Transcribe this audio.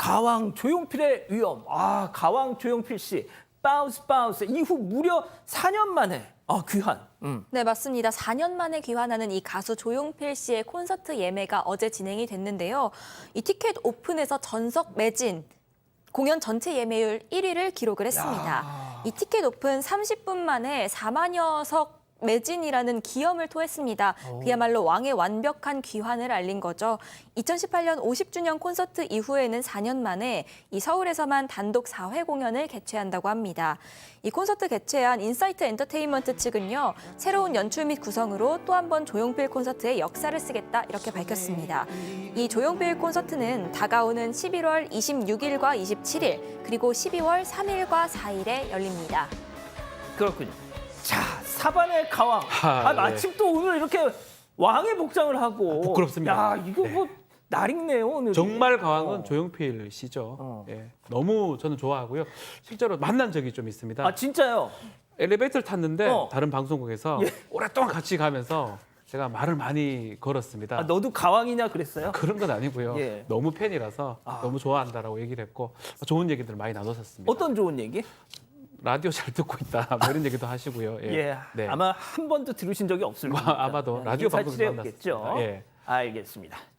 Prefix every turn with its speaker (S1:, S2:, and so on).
S1: 가왕 조용필의 위엄. 가왕 조용필 씨 바운스 이후 무려 4년 만에 귀환.
S2: 네, 맞습니다. 4년 만에 귀환하는 이 가수 조용필 씨의 콘서트 예매가 어제 진행이 됐는데요. 이 티켓 오픈에서 전석 매진, 공연 전체 예매율 1위를 기록을 했습니다. 이 티켓 오픈 30분 만에 4만여 석 매진이라는 기염을 토했습니다. 그야말로 왕의 완벽한 귀환을 알린 거죠. 2018년 50주년 콘서트 이후에는 4년 만에 이 서울에서만 단독 4회 공연을 개최한다고 합니다. 이 콘서트 개최한 인사이트 엔터테인먼트 측은요, 새로운 연출 및 구성으로 또 한 번 조용필 콘서트의 역사를 쓰겠다 이렇게 밝혔습니다. 이 조용필 콘서트는 다가오는 11월 26일과 27일 그리고 12월 3일과 4일에 열립니다.
S1: 그렇군요. 자, 사반의 가왕. 마침
S3: 네.
S1: 또 오늘 이렇게 왕의 복장을 하고.
S3: 부끄럽습니다.
S1: 야, 이거 뭐 날익네요, 오늘.
S3: 정말 가왕은 조용필 씨죠. 예, 너무 저는 좋아하고요. 실제로 만난 적이 좀 있습니다.
S1: 진짜요?
S3: 엘리베이터를 탔는데
S1: 어.
S3: 다른 방송국에서
S1: 예.
S3: 오랫동안 같이 가면서 제가 말을 많이 걸었습니다.
S1: 너도 가왕이냐 그랬어요?
S3: 그런 건 아니고요.
S1: 예.
S3: 너무 팬이라서 너무 좋아한다라고 얘기를 했고 좋은 얘기들 많이 나눴었습니다.
S1: 어떤 좋은 얘기?
S3: 라디오 잘 듣고 있다 뭐 이런 얘기도 하시고요.
S1: 예.
S3: 네.
S1: 아마 한 번도 들으신 적이 없을 겁니다.
S3: 아마도 라디오 방송에서
S1: 인사치레였겠죠.
S3: 만났습니다. 예.
S1: 알겠습니다.